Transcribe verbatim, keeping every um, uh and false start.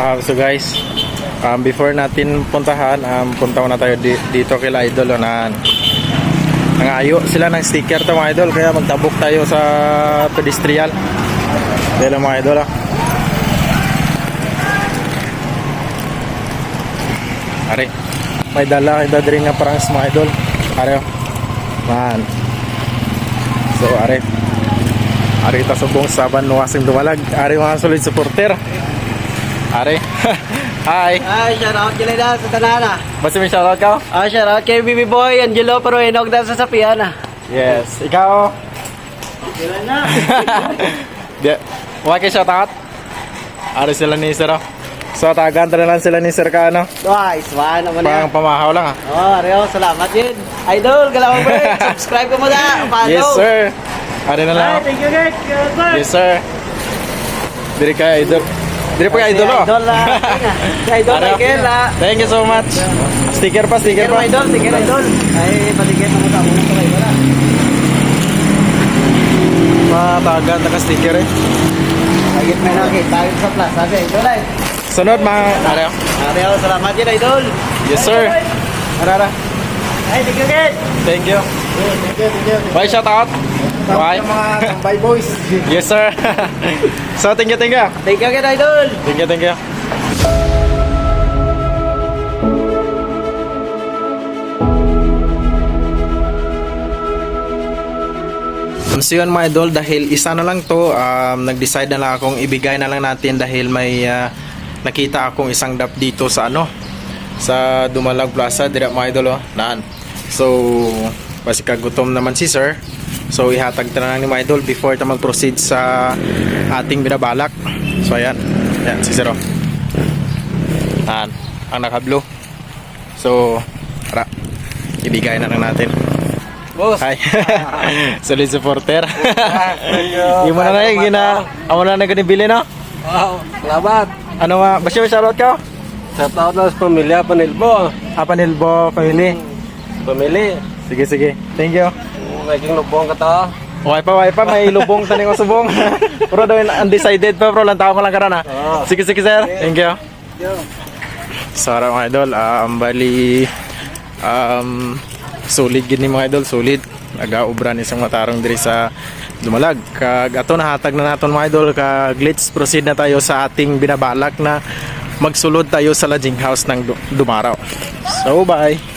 Um, so guys, um, before natin puntahan, um, punta na tayo di dito kila Idol. Unahan. Nangayo sila ng sticker to mga idol, kaya magtabok tayo sa pedestrian. Dito mga idol ah. Are, may dala kita diri nga parang mga idol. Are, man. So are, are kita subong saban nuwasing dumalag. Are mga solid supporter. Are, hi. Ay, shoutout kila na sa tanana. Basta may shoutout ka? Ah, shoutout kay B B Boy, Angelo, pero inog na sa sapian ah. Yes, ikaw. Kila na. Di, wala kayo shoutout? Are sila ni Sir. So tagan na lang sila ni Sir ka ano? Twice, one naman Pang yan. pamahaw lang ah. Oh, Areo, salamat yun. Idol, galawang break. Subscribe ka mo na. Follow. Yes sir. Are na lang. Ay, thank you guys. Yes sir. Diri ka idol. Diri po kay idol oh. Idol la. Idol Are, Michael la. Thank you so much. Sticker pa, sticker Sticker pa. mo idol, sticker idol. Ay, patigyan mo sa muna kay wala. Matagan na ka sticker eh. Agit may nakita tayo sa plaza sa idol ay. Sunod mga Are. Areo, salamat yun idol. Yes sir. Arara. Ay, thank you guys. Thank you. Thank you, thank you. Bye shout out. Bye. Mga tambay boys. Yes sir. So thank you, thank you. Thank you guys idol. Thank you, thank you. Um, so yun mga idol, dahil isa na lang to, um, nag-decide na lang akong ibigay na lang natin dahil may uh, nakita akong isang dap dito sa ano, sa Dumalag Plaza, dira mga idol oh, naan. So, basi kagutom naman si sir. So, ihatag na lang ni mga idol before ta mag-proceed sa ating binabalak. So, ayan. Ayan, si sir oh. Naan, ang naka-blue. So, tara, ibigay na lang natin. Boss. Hi. Solid supporter. Yung mo na na yung gina. Amo na na ganibili no? Wow, salamat. Ano nga? Basta may shoutout ka? Shoutout na sa pamilya Panilbo. Apanilbo family. Pamilya. Sige sige. Thank you. Naging lubong ka to. Okay pa, okay pa. May lubong taning ko subong. Pero daw undecided pa bro. Lang tao ko lang karon ha. Sige sige sir. Thank you. Sara mga idol. Um, bali um, solid gini mga idol. Solid. Nagaubran isang matarong diri sa Dumalag. Kag ato nahatag na naton mga idol. Kag let's proceed na tayo sa ating binabalak na magsulod tayo sa lodging house ng Dumaraw. So bye.